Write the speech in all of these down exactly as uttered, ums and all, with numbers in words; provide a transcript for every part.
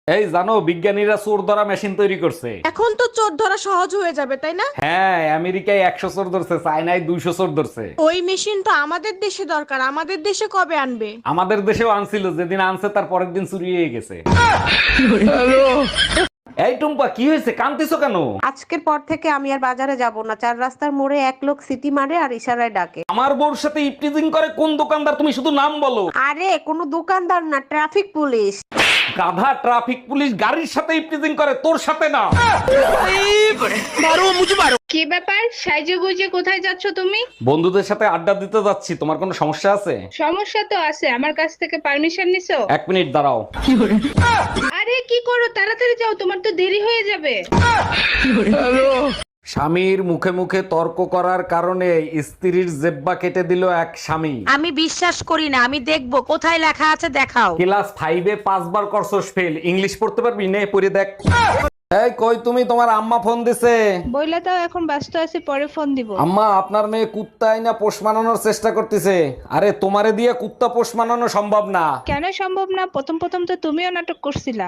এই জানো বিজ্ঞানীরা চোর ধরা মেশিন তৈরি করছে। এখন তো চোর ধরা সহজ হয়ে যাবে তাই না? হ্যাঁ, আমেরিকায় একশো চোর ধরছে, চায়নায় দুইশো চোর ধরছে। ওই মেশিন তো আমাদের দেশে দরকার, আমাদের দেশে কবে আনবে? আমাদের দেশেও আনছিল, যেদিন আনছে তার পরের দিন চুরি হয়ে গেছে। এই টুম্পা, কি হয়েছে, কাঁদতেছো কেন? আজকের পর থেকে আমি আর বাজারে যাব না। চার রাস্তার মোড়ে এক লোক সিটি মারে আর ইশারায় ডাকে। আমার বউর সাথে ইপটিজিং করে কোন দোকানদার? তুমি শুধু নাম বলো। আরে কোনো দোকানদার না, ট্রাফিক পুলিশ। গাধা, ট্রাফিক পুলিশ গাড়ির সাথে ইপটিজিং করে, তোর সাথে না। কি ব্যাপার, সাইজে গুজে কোথায় যাচ্ছ তুমি? বন্ধুদের সাথে আড্ডা দিতে যাচ্ছি। তোমার কোনো সমস্যা আছে? সমস্যা তো আছে, আমার কাছ থেকে পারমিশন নিছো? এক মিনিট দাঁড়াও। আরে কি করো, তাড়াতাড়ি যাও, তোমার তো দেরি হয়ে যাবে। স্বামীর মুখে মুখে তর্ক করার কারণে স্ত্রীর জেব্বা কেটে দিল এক স্বামী। আমি বিশ্বাস করি না, আমি দেখবো কোথায় লেখা আছে, দেখাও। ক্লাস ফাইভে পাঁচবার করছস ফেল, ইংলিশ পড়তে পারবি? নে পড়ে দেখ। এই কই তুমি, তোমার আম্মা ফোন দিছে। বইলা দাও, এখন ব্যস্ত আছি, পরে ফোন দিব। আম্মা, আপনার মেয়ে কুত্তাই না পোষ মানানোর চেষ্টা করতেছে। আরে তোমারে দিয়ে কুত্তা পোষ মানানো সম্ভব না। কেন সম্ভব না? প্রথম প্রথম তো তুমিও নাটক করছিলা।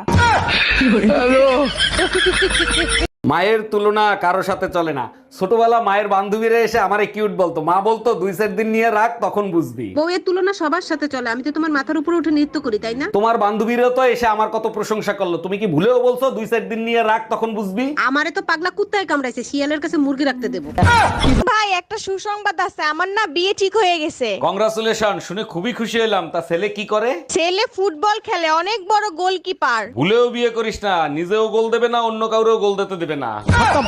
মায়ের তুলনা কারো সাথে চলে না। ছোটবেলা মায়ের বান্ধবীরা এসে আমারে কিউট বলতো, মা বলতো দুই চার দিন নিয়ে রাখ, তখন বুঝবি। বউয়ের তুলনা সবার সাথে চলে, আমি তো তোমার মাথার উপরে উঠে নৃত্য করি তাই না? তোমার বান্ধবীরা তো এসে আমার কত প্রশংসা করলো, তুমি কি ভুলেও বলছো দুই চার দিন নিয়ে রাখ, তখন বুঝবি। আমারে তো পাগলা কুত্তায় কামড়াইছে, শিয়ালের কাছে মুরগি রাখতে দেবো। ভাই একটা সুসংবাদ আছে, আমার না বিয়ে ঠিক হয়ে গেছে। কংগ্রাচুলেশন, শুনে খুবই খুশি হলাম। তা ছেলে কি করে? ছেলে ফুটবল খেলে, অনেক বড় গোলকিপার। ভুলেও বিয়ে করিস না, নিজেও গোল দেবে না, অন্য কাউরেও গোল দিতে দেবে না।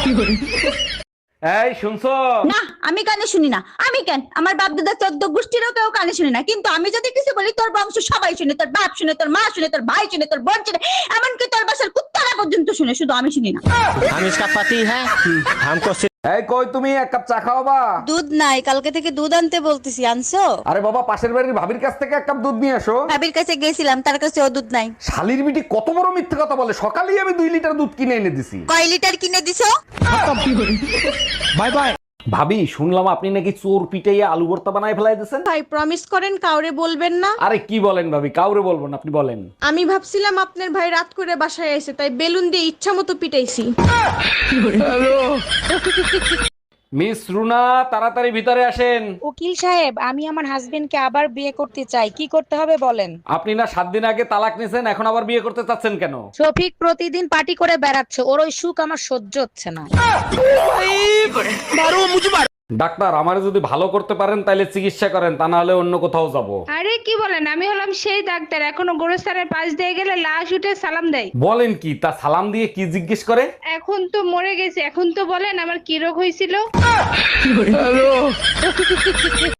এই শুনছো? না, আমি কানে শুনি না। আমি কেন, আমার বাপ দাদা চোদ্দ গোষ্ঠীরও কেউ কানে শুনি না। কিন্তু আমি যদি কিছু বলি, তোর বংশ সবাই শুনে, তোর বাপ শুনে, তোর মা শুনে, তোর ভাই শুনে, তোর বোন শুনে, এমনকি তোর বাসার কুত্তারা পর্যন্ত শুনে, শুধু আমি শুনি না। हम इसका पति है हमको এই কই তুমি, এক কাপ চা খাওয়াবা? দুধ নাই, কালকে থেকে দুধ আনতে বলতেছি, আনছো? আরে বাবা, পাশের বাড়ির ভাবির কাছ থেকে এক কাপ দুধ নিয়ে আসো। ভাবির কাছে গেছিলাম, তার কাছে ও দুধ নাই। শালির বিটি কত বড় মিথ্যে কথা বলে, সকালেই আমি দুই লিটার দুধ কিনে এনে দিছি। কয় লিটার কিনে দিছো? Bye bye. ভাবি, শুনলাম আপনি নাকি চোর পিটাইয়া আলু ভর্তা বানায় ফেলাই দিয়েছেন। ভাই প্রমিস করেন কাউরে বলবেন না। আরে কি বলেন ভাবি, কাউরে বলবো না, আপনি বলেন। আমি ভাবছিলাম আপনার ভাই রাত করে বাসায় এসে, তাই বেলুন দিয়ে ইচ্ছা মতো পিটাইছি। মিস রুনা, তাড়াতাড়ি ভিতরে আসেন। উকিল সাহেব, আমি আমার হাজবেন্ডকে আবার বিয়ে করতে চাই, কি করতে হবে বলেন? আপনি না সাত দিন আগে তালাক নিছেন, এখন আবার বিয়ে করতে চাচ্ছেন কেন? শফিক প্রতিদিন পার্টি করে বেড়াচ্ছে, ওর ওই সুখ আমার সহ্য হচ্ছে না। ডাক্তার, আমারে যদি ভালো করতে পারেন তাহলে চিকিৎসা করেন, তা না হলে অন্য কোথাও যাব। আরে কি বলেন, আমি হলাম সেই ডাক্তার, এখনো গোরস্থানের পাশ দিয়ে গেলে লাশ উঠে সালাম দেয়। বলেন কি? তা সালাম দিয়ে কি জিজ্ঞেস করে? এখন তো মরে গেছে, এখন তো বলেন আমার কি রোগ হয়েছিল।